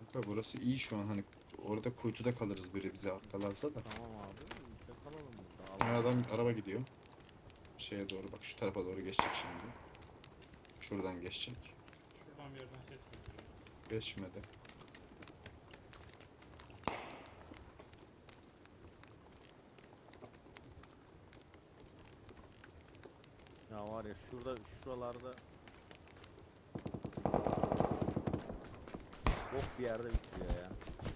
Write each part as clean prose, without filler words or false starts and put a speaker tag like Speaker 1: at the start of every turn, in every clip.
Speaker 1: Kanka burası iyi şu an, hani orada kuytuda kalırız biri bize arkalarsa da.
Speaker 2: Tamam abi. Kalalım burada.
Speaker 1: Ha,
Speaker 2: Allah.
Speaker 1: adam araba gidiyor. Şeye doğru bak, şu tarafa doğru geçecek şimdi. Şuradan geçecek.
Speaker 3: Şuradan bir yerden ses geliyor.
Speaker 1: Geçmedi.
Speaker 2: Ya var ya şurada şuralarda bok bir yerde bitiyor ya.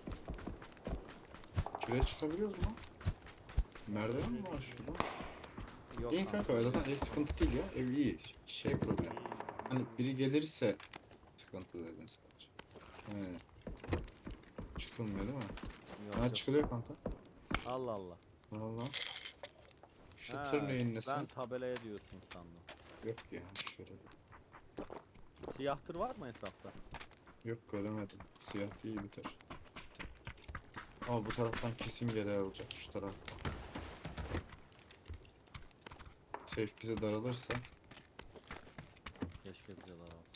Speaker 1: Şuraya çıkabiliyoruz mu? Merdiven mi var şurada?
Speaker 2: Yok
Speaker 1: İyi kanka, zaten ev sıkıntı değil ya. Ev iyi. Şey problem. Hani biri gelirse sıkıntı dedim sadece. He. Çıkılmıyor değil mi?
Speaker 2: Yok,
Speaker 1: Ha,
Speaker 2: yok.
Speaker 1: çıkılıyor kanka.
Speaker 2: Allah Allah.
Speaker 1: Valla. Şu
Speaker 2: Ha,
Speaker 1: tır neyin nesi?
Speaker 2: ben tabelaya diyorsun sandım.
Speaker 1: Yok ya, şöyle.
Speaker 2: Siyah tır var mı etrafta?
Speaker 1: Yok, göremedim. Siyah değil bir tır. Ama bu taraftan kesin geri alacak, şu taraftan. Safe bize daralırsa.
Speaker 2: Keşke bize daha olsa.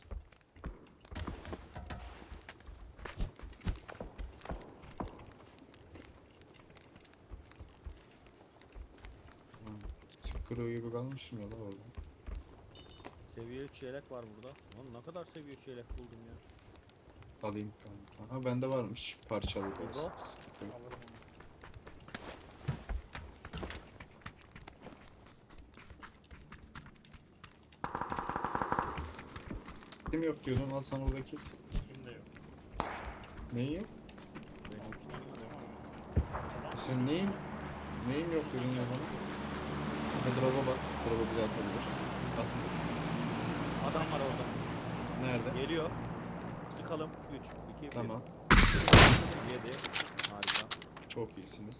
Speaker 1: Sıkırıyor gibi kalmışım ya da orada.
Speaker 2: Seviye 3 yelek var burada. Oğlum ne kadar seviye 3 yelek buldum ya.
Speaker 1: Alayım kanka. Ha, bende varmış. Parçalı da
Speaker 2: İbo?
Speaker 1: olsa. Sıkıntı yok.
Speaker 3: Alırım onu.
Speaker 1: Kim yok diyordun, al sana oradaki.
Speaker 3: Kimde yok.
Speaker 1: Neyin yok?
Speaker 2: Benim
Speaker 3: Altınlarınız var mı? Tamam.
Speaker 1: Sen neyin yok dedin ya bana? Ha, drop'a bak. Drop'a bize atabilir. At.
Speaker 2: adam var orada.
Speaker 1: Nerede?
Speaker 2: Geliyor. Sıkalım. 3, 2, 1.
Speaker 1: Tamam.
Speaker 2: 7. Harika.
Speaker 1: Çok iyisiniz.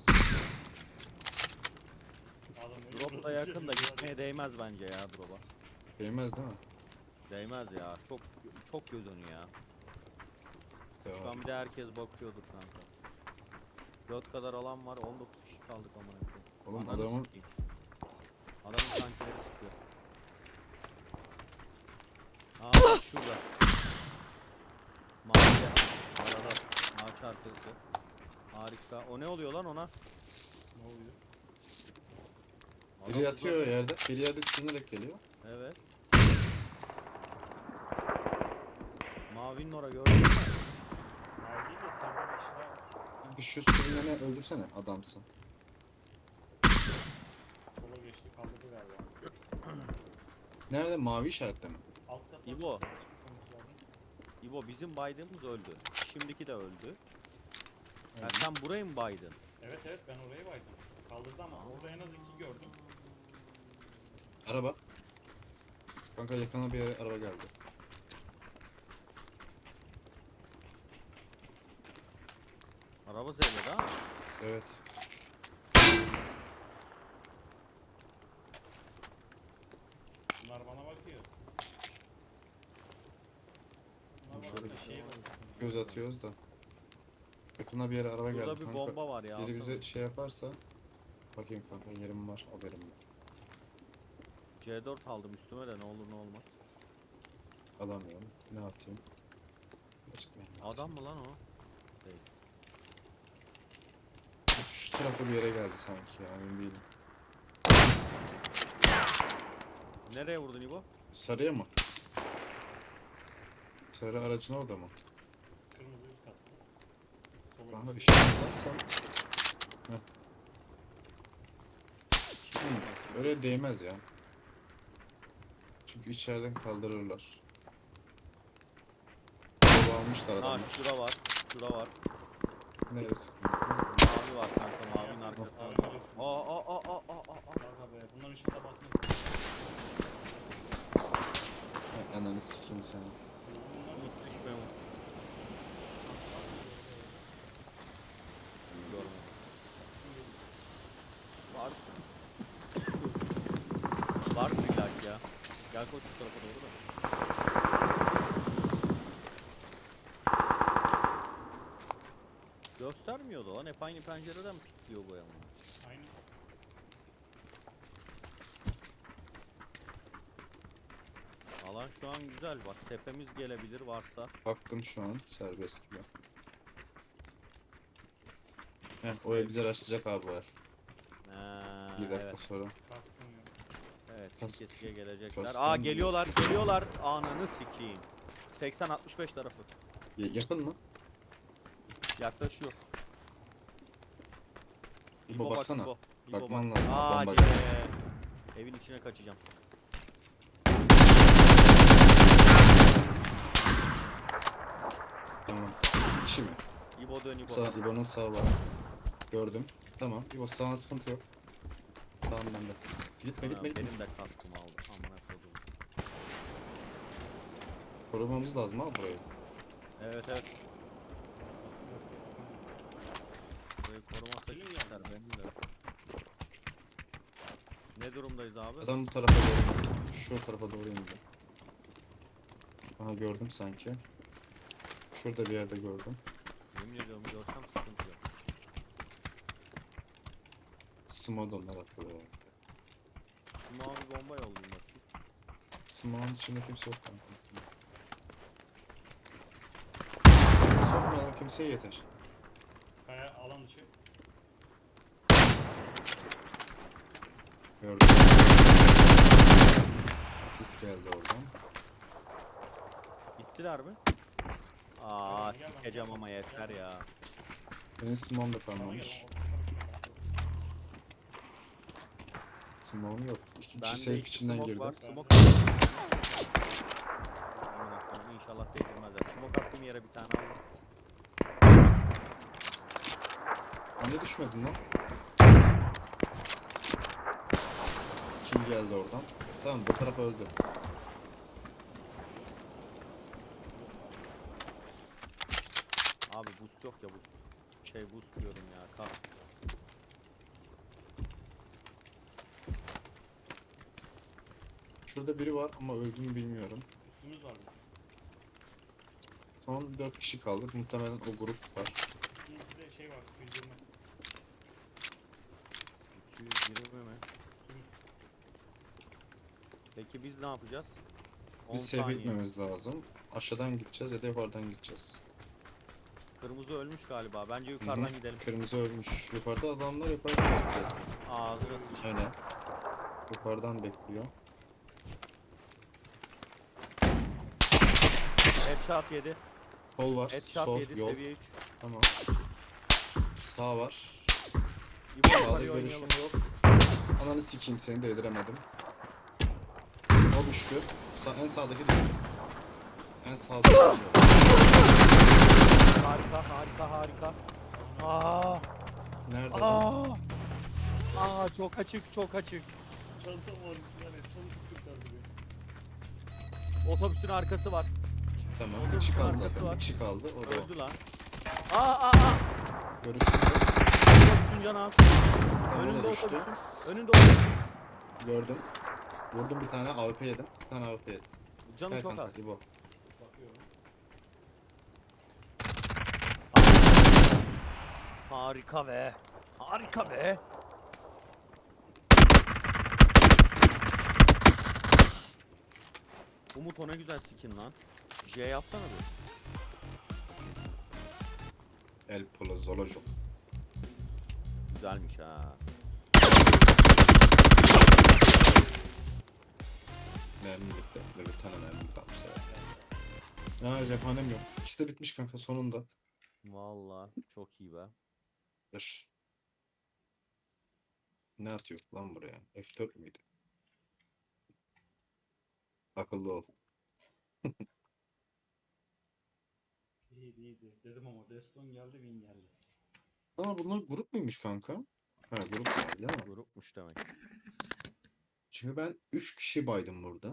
Speaker 3: Adamı
Speaker 2: Drop da yakın da gitmeye değmez bence ya drop'a.
Speaker 1: Değmez değil mi?
Speaker 2: Değmez ya. Çok göz önü ya. Şu
Speaker 1: Devam.
Speaker 2: an bir de herkes bakıyordur kanka. 4 kadar alan var. 19 kişi kaldık amına koyayım.
Speaker 1: Oğlum
Speaker 2: Ananı
Speaker 1: adamın
Speaker 2: sikeyim. Adamın tankileri sıkıyor. Aa bak şurada. Mavi arada ağaç arkası. Harika. O ne oluyor lan ona?
Speaker 3: Ne oluyor?
Speaker 2: Adam
Speaker 1: biri yatıyor
Speaker 2: uzak-
Speaker 1: yerde. Biri yerde sürünerek geliyor.
Speaker 2: Evet. Mavinin ora gördün mü?
Speaker 3: Mavi değil de sarı bir kişi daha
Speaker 1: Bir şu sürüneni öldürsene, adamsın.
Speaker 3: sola geçti kaldırdı galiba.
Speaker 1: Nerede? Mavi işaretle mi?
Speaker 3: Alt katta
Speaker 2: İbo.
Speaker 3: çıkmış olması lazım.
Speaker 2: İbo bizim baydığımız öldü. Şimdiki de öldü. Ha,
Speaker 1: Evet.
Speaker 2: sen burayı mı baydın?
Speaker 3: Evet evet ben orayı baydım. Kaldırdı ama orada en az 2 gördüm.
Speaker 1: Araba. Kanka yakına bir yere araba geldi.
Speaker 2: Araba zevledi ha.
Speaker 1: Evet.
Speaker 3: Bunlar bana bakıyor. Bunlar
Speaker 1: Şöyle
Speaker 3: bana bir şeye bakıyor.
Speaker 1: göz atıyoruz da. Yakına bir yere araba
Speaker 2: Burada
Speaker 1: geldi
Speaker 2: bir
Speaker 1: kanka.
Speaker 2: bomba var ya.
Speaker 1: Biri
Speaker 2: alsana.
Speaker 1: bize şey yaparsa. Bakayım kanka, yerim var, haberim var.
Speaker 2: C4 aldım üstüme de ne olur ne olmaz.
Speaker 1: Alamıyorum. Ne atayım? Açıklayayım.
Speaker 2: Adam mı lan o? Değil.
Speaker 1: Şu tarafa bir yere geldi sanki ya, emin değilim.
Speaker 2: Nereye vurdun İbo?
Speaker 1: Sarıya mı? Sarı aracın orada mı?
Speaker 3: Kırmızı üst katta. Sola
Speaker 1: Kanka
Speaker 3: geçti.
Speaker 1: işaret varsa. Heh. Öyle değmez ya. Çünkü içeriden kaldırırlar. Baba almışlar
Speaker 2: Ha
Speaker 1: adamlar.
Speaker 2: şura var. Şura var.
Speaker 1: Neresi?
Speaker 2: Mavi var kanka mavinin arkasında. Aa.
Speaker 3: Kanka be bunların ışıkta basmaz.
Speaker 1: Ha, ananı sikeyim seni.
Speaker 3: Bunlar çok
Speaker 2: Hiç düşmüyor mu? Görmedim. Var. Var mı illaki ya? Gel koş şu tarafa doğru da. Göstermiyordu lan. Hep aynı pencereden mi pikliyor bu yanına?
Speaker 3: Aynı.
Speaker 2: Alan şu an güzel bak. Tepemiz gelebilir varsa.
Speaker 1: Baktım şu an serbest gibi. o ev bize rastlayacak abi var.
Speaker 2: Ha,
Speaker 1: 2 dakika
Speaker 2: evet.
Speaker 1: sonra.
Speaker 3: Kaskım yok.
Speaker 2: Evet,
Speaker 1: Kas-
Speaker 2: kesiye gelecekler.
Speaker 1: kas-
Speaker 2: Aa
Speaker 1: kas-
Speaker 2: geliyorlar. Ananı sikeyim. 80-65 tarafı.
Speaker 1: Yakın mı?
Speaker 2: Yaklaşıyor.
Speaker 1: İbo
Speaker 2: bak,
Speaker 1: baksana.
Speaker 2: İbo.
Speaker 1: Bakman
Speaker 2: bak.
Speaker 1: lazım.
Speaker 2: Hadi.
Speaker 1: Bomba
Speaker 2: Evin içine kaçacağım.
Speaker 1: Tamam. Kişi mi?
Speaker 2: İbo dön İbo.
Speaker 1: İbo'nun sağı var. Gördüm. Tamam. İbo sağına sıkıntı yok. Tamam bende. Gitme
Speaker 2: Ha,
Speaker 1: gitme gitme.
Speaker 2: benim de kaskımı aldı. Amına koydum.
Speaker 1: Korumamız lazım abi burayı.
Speaker 2: Evet. Burayı korumazsak
Speaker 3: Kilim
Speaker 2: ister
Speaker 3: geldi.
Speaker 2: benim de. Ne durumdayız abi?
Speaker 1: Adam bu tarafa doğru indi. Şu tarafa doğru indi. Aha gördüm sanki. Şurada bir yerde gördüm.
Speaker 2: Yemin ediyorum görsem sıkıntı yok.
Speaker 1: Smodonlar attılar herhalde.
Speaker 2: Mavi bomba yollayayım bakayım.
Speaker 1: Smodon içinde kimse yok kanka. Sokmayalım kimseye yeter.
Speaker 3: Kaya alan dışı.
Speaker 1: Gördüm. Sis geldi oradan.
Speaker 2: Gittiler mi? Aa
Speaker 3: Gel bana,
Speaker 2: sikeceğim
Speaker 3: gel
Speaker 2: ama
Speaker 3: bana,
Speaker 2: yeter
Speaker 3: gel
Speaker 2: ya.
Speaker 1: Benim Smodon da
Speaker 3: Bana
Speaker 1: kalmamış.
Speaker 3: gel.
Speaker 1: Smodon yok. İki
Speaker 2: Bende
Speaker 1: kişi safe
Speaker 2: iki
Speaker 1: içinden
Speaker 2: smoke
Speaker 1: girdi.
Speaker 2: var.
Speaker 3: Ben
Speaker 2: Smoke
Speaker 3: de-
Speaker 2: Amına koyayım, İnşallah değdirmezler. Smoke attığım yere bir tane aldım.
Speaker 1: Hani düşmedin lan? Kim geldi oradan? Tamam bu tarafa öldü.
Speaker 2: Abi boost yok ya boost. Boost diyorum ya. Kalk.
Speaker 1: Şurada biri var ama öldüğünü bilmiyorum.
Speaker 3: Üstümüz var bizim.
Speaker 1: Son 4 kişi kaldık. Muhtemelen o grup var.
Speaker 3: Üstümüzde de şey var. 220.
Speaker 2: 220 mi?
Speaker 3: Üstümüz.
Speaker 2: Peki biz ne yapacağız? 10
Speaker 1: Biz save
Speaker 2: saniye.
Speaker 1: etmemiz lazım. Aşağıdan gideceğiz ya da yukarıdan gideceğiz.
Speaker 2: Kırmızı ölmüş galiba. Bence yukarıdan gidelim.
Speaker 1: Kırmızı ölmüş. Yukarıda adamlar yukarıdan bekliyor.
Speaker 2: Ağzına sıçayım.
Speaker 1: Aynen. Yukarıdan bekliyor.
Speaker 2: Headshot yedi.
Speaker 1: Sol var.
Speaker 2: Headshot
Speaker 1: Sol
Speaker 2: yedi
Speaker 1: yol.
Speaker 2: seviye 3.
Speaker 1: Tamam. Sağ var.
Speaker 2: İbo
Speaker 1: Sağda
Speaker 2: yukarıya
Speaker 1: görüşüm
Speaker 2: oynayalım.
Speaker 1: yok. Ananı sikeyim seni de yediremedim. O düştü. En sağdaki düştü. En sağdaki düştü.
Speaker 2: Harika. Aa,
Speaker 1: Nerede adam?
Speaker 2: çok açık.
Speaker 3: Çantam var. Yani çantam kurtardı beni.
Speaker 2: Otobüsün arkası var.
Speaker 1: Tamam.
Speaker 2: Onun
Speaker 1: Bir kişi kaldı
Speaker 2: arkası
Speaker 1: zaten.
Speaker 2: var.
Speaker 1: Bir kişi kaldı. O da o.
Speaker 2: Öldü lan.
Speaker 1: Görüşüm yok.
Speaker 2: Otobüsün canı az.
Speaker 1: Tamam, o
Speaker 2: Önünde
Speaker 1: da düştü.
Speaker 2: otobüsün. Önünde otobüsün.
Speaker 1: Gördüm. Vurdum bir tane AWP yedim. Bir tane AWP yedim.
Speaker 2: Canı
Speaker 1: Gel
Speaker 2: çok
Speaker 1: kanka,
Speaker 2: az.
Speaker 1: İbo.
Speaker 3: Bakıyorum.
Speaker 2: Harika be. Umut ona güzel skin lan. J yapsana bir.
Speaker 1: El Polo Zolojo.
Speaker 2: Güzelmiş ha.
Speaker 1: Mermi bitti. Böyle bir tane mermi kalmış herhalde. Aa cephanem yok. İkisi de bitmiş kanka sonunda.
Speaker 2: Vallahi çok iyi be.
Speaker 1: Dur. Ne atıyor lan buraya? F4 müydü? Akıllı ol.
Speaker 3: İyiydi. Dedim ama Deston geldi, Win geldi.
Speaker 1: Aa bunlar grup muymuş kanka? Ha grup var değil mi?
Speaker 2: Grupmuş demek.
Speaker 1: Çünkü ben 3 kişi baydım burada.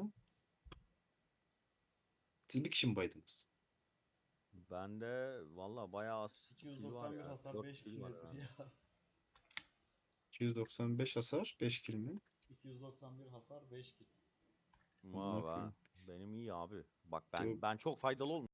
Speaker 1: Siz bir kişi mi baydınız?
Speaker 2: Bende vallahi bayağı az kill var
Speaker 3: 291
Speaker 2: ya.
Speaker 3: hasar
Speaker 2: 4
Speaker 3: 5
Speaker 2: kill
Speaker 3: kill
Speaker 2: var
Speaker 3: nedir
Speaker 2: herhalde.
Speaker 3: ya?
Speaker 1: 295 hasar 5 kill mi?
Speaker 3: 291 hasar 5 kill.
Speaker 1: Amına
Speaker 2: Vay be.
Speaker 1: koyayım.
Speaker 2: Benim iyi abi. Bak
Speaker 1: Bu
Speaker 2: ben çok faydalı olmuş.